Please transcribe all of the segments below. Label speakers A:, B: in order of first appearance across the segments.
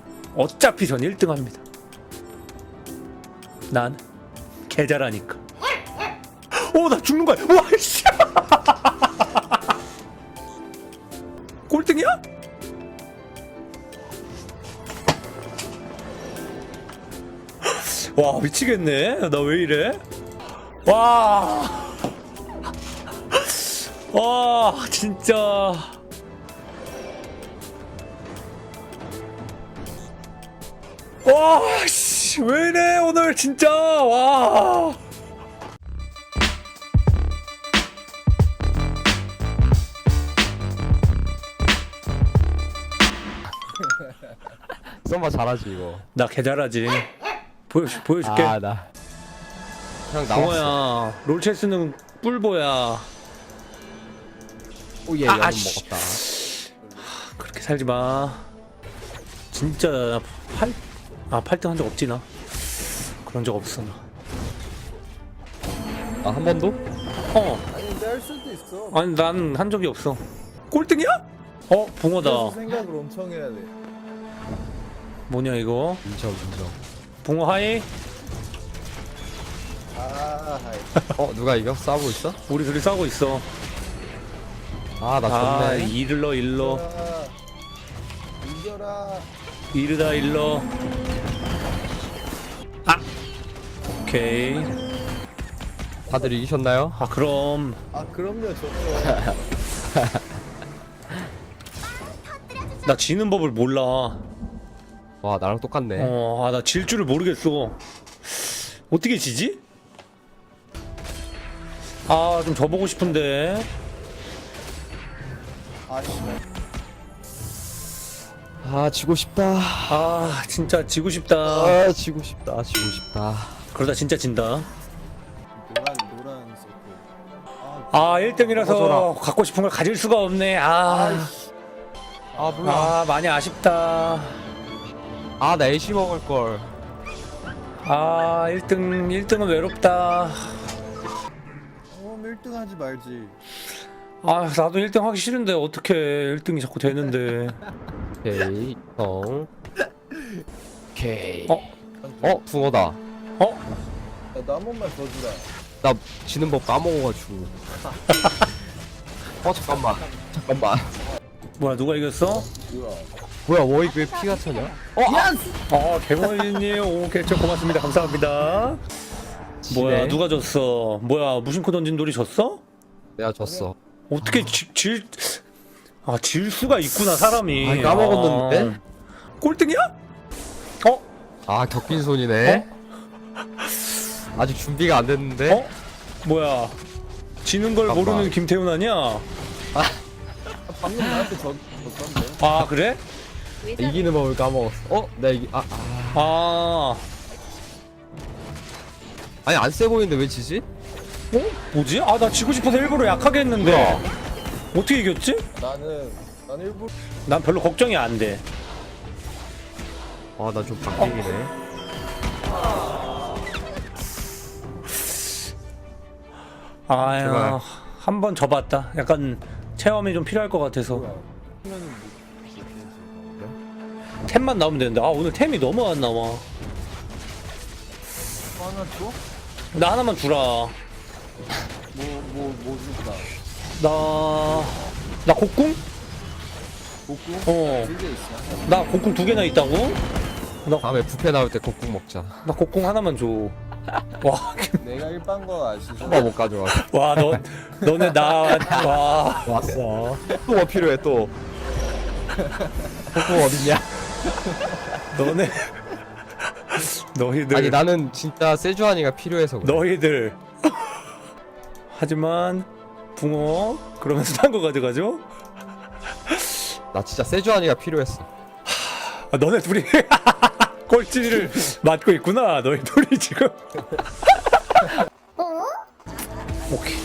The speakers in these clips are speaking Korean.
A: 어차피 전 1등 합니다. 난 개잘하니까. 오, 나 죽는 거야. 와, 씨. 꼴등이야? 와, 미치겠네. 나 왜 이래? 와. 와, 진짜. 와, 씨, 왜 이래, 오늘 진짜. 와.
B: 썸바 잘하지 이거.
A: 나 개잘하지. 보여줄게.
B: 아 나. 그냥 나왔어.
A: 동호야, 롤체스는 뿔보야.
B: 오얘
A: 아,
B: 연은
A: 아씨.
B: 먹었다.
A: 그렇게 살지 마. 진짜 나 8등 한 적 없지 나. 그런 적 없어 나.
B: 아 한 번도?
A: 어,
C: 아니 근데 할 수도 있어.
A: 아니 난 한 적이 없어. 꼴등이야? 붕어다.
C: 그래서 생각을 엄청 해야 돼.
A: 뭐냐 이거?
B: 인정.
A: 붕어 하이?
C: 아, 하이.
B: 누가 이겨? 싸우고 있어?
A: 우리 둘이 싸우고 있어.
B: 아 나
A: 아,
B: 졌네.
A: 일러
C: 이겨라.
A: 이르다 일러. 아, 오케이.
B: 다들 이기셨나요?
A: 아, 그럼
C: 아 그럼요 좋죠.
A: 나 지는 법을 몰라.
B: 와 나랑 똑같네.
A: 나 질 줄을 모르겠어. 어떻게 지지? 아, 좀 져보고 싶은데.
C: 아씨.
B: 아 지고 싶다.
A: 아, 진짜 지고 싶다.
B: 아 지고 싶다.
A: 그러다 진짜 진다.
C: 노란 서클.
A: 아, 1등이라서
B: 먹어줘라.
A: 갖고 싶은 걸 가질 수가 없네. 아,
B: 아 몰라.
A: 많이 아쉽다.
B: 아 나 애쉬 먹을 걸.
A: 아, 1등은 외롭다.
C: 1등 하지 말지.
A: 아, 나도 1등 하기 싫은데 어떻게 1등이 자꾸 되는데.
B: 오케이 형. 오케이.
A: 어?
B: 붕어다.
C: 나도 한 번만 더 주라.
B: 나 지는 법 까먹어가지고. 잠깐만.
A: 뭐야, 누가 이겼어?
C: 뭐야?
B: 뭐야 워익 왜 피가 차냐?
A: 개머리님, 오, 개척 고맙습니다. 감사합니다. 뭐야,
B: 지네.
A: 누가 졌어? 뭐야, 무심코 던진 돌이 졌어?
B: 내가 졌어.
A: 어떻게 질 수가 있구나, 사람이.
B: 아, 까먹었는데?
A: 꼴등이야?
B: 아 격빈 손이네. 아직 준비가 안 됐는데.
A: 뭐야, 지는 걸
B: 잠깐만.
A: 모르는 김태훈 아니야?
C: 방금 나한테 졌던데.
A: 아, 그래?
B: 이기는 법을 까먹었어. 나 이기. 아니 안 세 보이는데 왜 지지?
A: 뭐지? 아, 나 지고 싶어서 일부러 약하게 했는데.
B: 뭐야?
A: 어떻게 이겼지?
C: 나는 일부러.
A: 난 별로 걱정이 안 돼.
B: 아 나 좀 박빙이네.
A: 아유,
B: 제발.
A: 한 번 져봤다. 약간 체험이 좀 필요할 것 같아서.
C: 하면은
A: 템만 나오면 되는데. 아, 오늘 템이 너무 안 나와.
C: 하나 줘?
A: 나 하나만 주라.
C: 뭐 줄까?
A: 나 곡궁?
C: 복구?
A: 어.
C: 두개 있어.
A: 나 곡궁 2개나 있다고?
B: 다음에 부페 나올 때 곡국 먹자.
A: 나 곡궁 하나만 줘. 와,
C: 내가 일반 거 아시죠?
B: 한번 못 가져와.
A: 와, 너네 와.
B: 왔어. 또 뭐 필요해 또? 곡국 어딨냐?
A: 너희들.
B: 아니 나는 진짜 세주아니가 필요해서 그래.
A: 너희들. 하지만 붕어 그러면서 딴 거 가져가죠?
B: 나 진짜 세주아니가 필요했어.
A: 아, 너네 둘이 꼴찌를 맡고 있구나. 너희 둘이 지금. 오케이.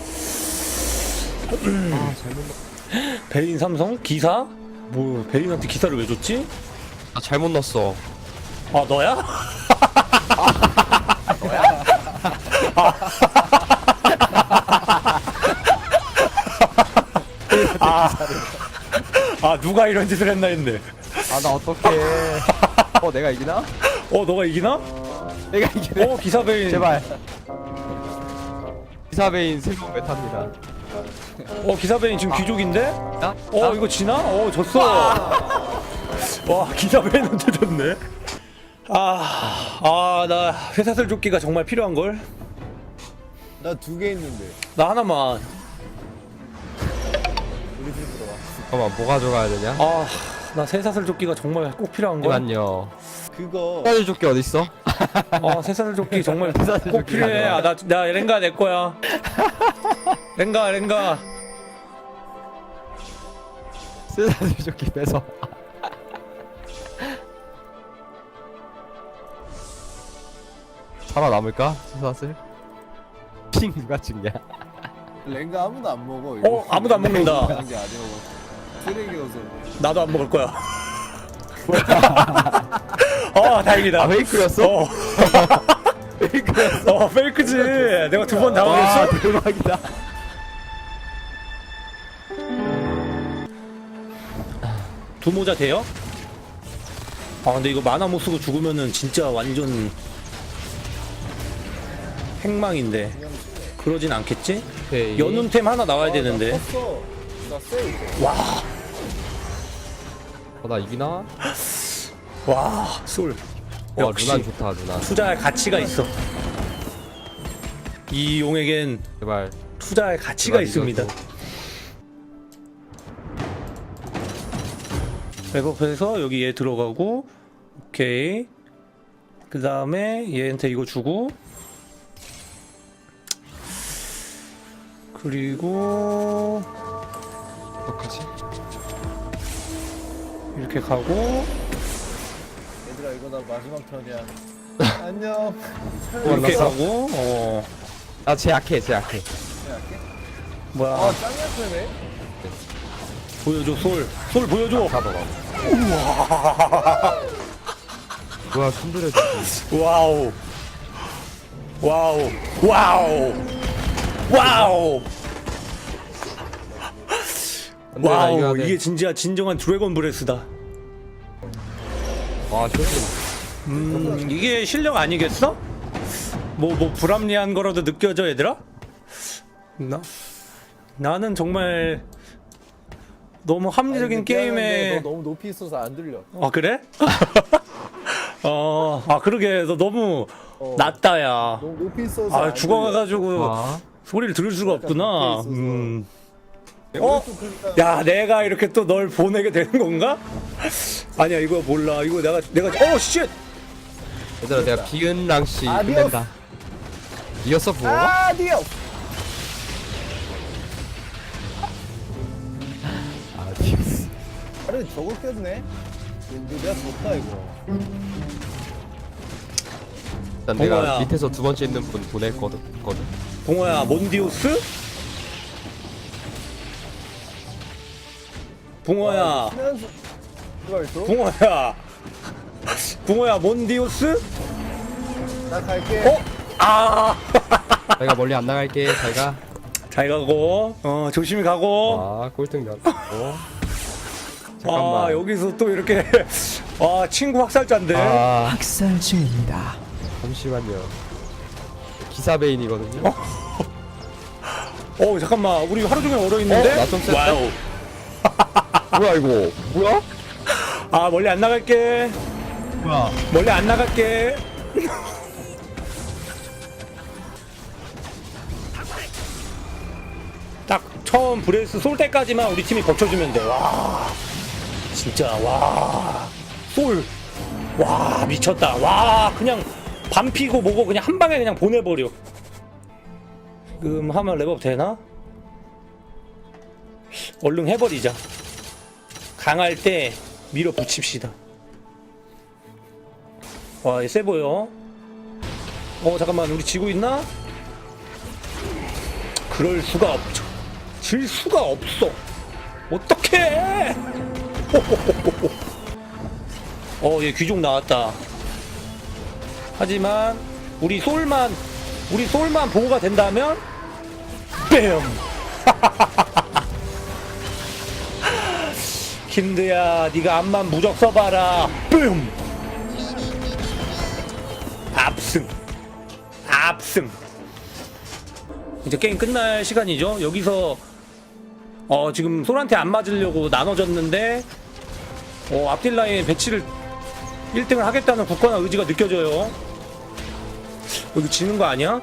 A: 베인 삼성 기사? 뭐 베인한테 기사를 왜 줬지?
B: 나 잘못 넣었어.
A: 아, 너야? 아, 누가 이런 짓을 했나 했네.
B: 아 나 어떡해. 내가 이기나?
A: 너가 이기나?
B: 내가 이기네.
A: 기사베인.
B: 제발. 기사베인 새로운 메타입니다.
A: 기사베인 지금 귀족인데?
B: 나?
A: 이거 지나? 졌어. 와, 기사베인한테 졌네. 나 회사슬 조끼가 정말 필요한걸?
C: 나 2개 있는데.
A: 나 하나만.
C: 우리 집 들어와.
B: 잠깐만 뭐 가져가야 되냐?
A: 나 새사슬 조끼가 정말 꼭 필요한걸?
B: 잠깐만요.
C: 그거
B: 사줄 조끼 어딨어?
A: 새사슬 조끼 정말
B: 새사슬
A: 꼭
B: 조끼
A: 필요해.
B: 가져와.
A: 나 렌가 내 거야. 렌가.
B: 사줄 조끼 빼서. 살아남을까? 사슬? 핑 누가 찍냐?
C: 렌가 아무도 안 먹어.
A: 아무도 안 먹는다.
C: 하는 게 아니어서 쓰레기여서.
A: 나도 안 먹을 거야. 다행이다.
B: 페이크였어? 페이크였어?
A: 페이크지. 내가 2번 당황했어.
B: 대박이다.
A: 두 모자 돼요? 근데 이거 만화 못 쓰고 죽으면은 진짜 완전 행망인데. 그러진 않겠지?
B: 오케이.
A: 연운템 하나 나와야 되는데.
C: 나 컸어. 나 쎄.
A: 와,
B: 나 이기나?
A: 솔.
B: 와
A: 역시
B: 누난 좋다 누난.
A: 투자할 가치가 있어. 이 용에겐
B: 제발.
A: 투자할 가치가
B: 제발
A: 있습니다.
B: 이겨줘.
A: 백업해서 여기 얘 들어가고, 오케이. 그 다음에 얘한테 이거 주고, 그리고
B: 어떡하지?
A: 이렇게 가고,
C: 얘들아 이거 나 마지막 턴이야. 안녕.
A: 이렇게
B: 만났어?
A: 가고,
B: 나쟤 약해 쟤 약해.
A: 뭐야.
C: 짱 약하네.
A: 보여줘, 솔 보여줘.
B: 잡아봐. 뭐야 손들어.
A: 와우. 와우, 이게 진정한 드래곤 브레스다.
B: 와 쇼진.
A: 이게 실력 아니겠어? 뭐 불합리한 거라도 느껴져, 얘들아? 나는 정말 너무 합리적인
C: 아니, 근데
A: 게임에.
C: 너 너무 높이 있어서 안 들려.
A: 그래? 그러게. 너 너무 낮다, 야.
C: 너무 높이 있어서. 안
A: 죽어가가지고
B: 아.
A: 소리를 들을 수가 없구나.
C: 밑에
A: 어?
C: 들려. 또 그러니까
A: 야, 내가 이렇게 또 널 보내게 되는 건가? 아니야, 이거 몰라. 이거 내가 쉣!
B: 얘들아 내가 비은랑씨
C: 아디오스.
B: 끝낸다. 이겼어 부모가?
C: 아디오.
B: 아디오스.
C: 아래 저걸 깼네. 이거 내가 졌다 이거.
B: 일단
A: 동호야.
B: 내가 밑에서 두 번째 있는 분 보냈거든.
A: 동호야, 몬디우스? 붕어야,
C: 신현수 그걸 줘?
A: 붕어야, 몬디우스?
C: 나 갈게.
B: 내가 멀리 안 나갈게. 잘가.
A: 잘 가고, 조심히 가고.
B: 꼴등 몇? 잠깐만.
A: 여기서 또 이렇게, 친구 학살자인데.
B: 학살 중입니다. 잠시만요. 기사베인이거든요.
A: 잠깐만, 우리 하루 종일 얼어있는데?
B: 나좀 셌다.
A: 와우.
B: 뭐야 이거? 뭐야?
A: 멀리 안 나갈게.
B: 뭐야?
A: 멀리 안 나갈게. 딱 처음 브레스 쏠 때까지만 우리 팀이 버텨주면 돼. 와, 진짜 솔, 미쳤다. 그냥 반피고 뭐고 그냥 한 방에 그냥 보내버려. 지금 하면 랩업 되나? 얼른 해버리자. 강할 때 밀어붙입시다. 얘 세 보여. 잠깐만, 우리 지고 있나? 그럴 수가 없죠. 질 수가 없어. 어떡해! 얘 귀족 나왔다. 하지만 우리 솔만 보호가 된다면 뺨! 킨드야 네가 앞만 무적 써봐라. 뿜. 압승. 압승. 이제 게임 끝날 시간이죠. 여기서 지금 솔한테 안 맞으려고 나눠졌는데 앞딜 라인 배치를 1등을 하겠다는 굳건한 의지가 느껴져요. 여기 지는 거 아니야?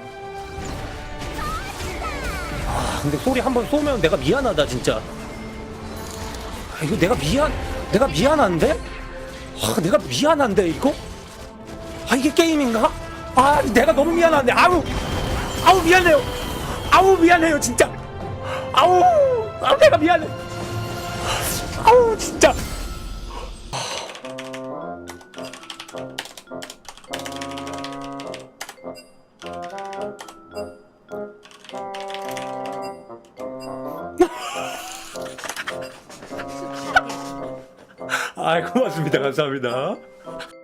A: 근데 소리 한번 쏘면 내가 미안하다 진짜. 이거 내가 미안한데? 내가 미안한데 이거? 이게 게임인가? 내가 너무 미안한데. 아우 미안해요. 아우 미안해요 진짜. 아우 내가 미안해. 아우 진짜. 고맙습니다. 감사합니다.